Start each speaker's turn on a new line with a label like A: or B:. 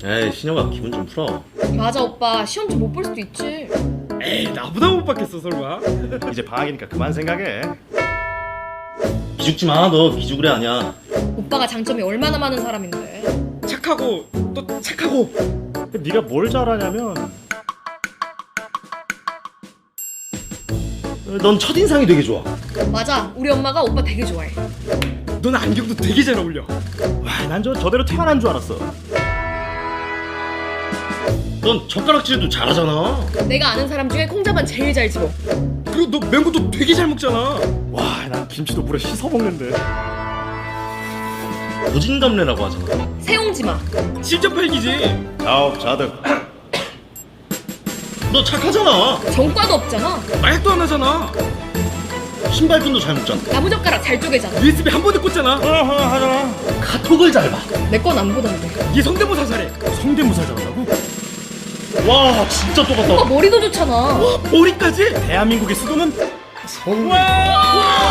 A: 에이 신영아 기분 좀 풀어.
B: 맞아 오빠 시험 좀 못 볼 수도 있지.
C: 에이 나보다 못 받겠어 설마?
D: 이제 방학이니까 그만 생각해.
A: 기죽지 마. 너 기죽으래 아니야.
B: 오빠가 장점이 얼마나 많은 사람인데.
C: 착하고 또 착하고.
D: 근데 네가 뭘 잘하냐면
A: 넌 첫인상이 되게 좋아.
B: 맞아 우리 엄마가 오빠 되게 좋아해.
C: 넌 안경도 되게 잘 어울려.
D: 와, 난 저대로 태어난 줄 알았어.
A: 넌 젓가락질도 잘하잖아.
B: 내가 아는 사람 중에 콩자반 제일 잘 집어.
C: 그리고 너 맹고도 되게 잘 먹잖아.
D: 와, 난 김치도 물에 씻어 먹는데.
A: 고진감래라고 하잖아.
B: 세용지마.
C: 실전 팔기지.
D: 자업자득.
A: 너 착하잖아.
B: 정과도 없잖아.
C: 마약도 안 하잖아.
A: 신발끈도 잘 묶잖아.
B: 나무젓가락 잘 쪼개잖아.
C: USB 한 번에 꽂잖아.
D: 하잖아.
A: 카톡을 잘 봐.
B: 내 건 안 보던데.
C: 얘 성대모사 잘해.
D: 성대모사 잘한다고?
A: 와 진짜 똑같다.
B: 오빠 머리도 좋잖아.
C: 머리까지?
D: 대한민국의 수도는
C: 와!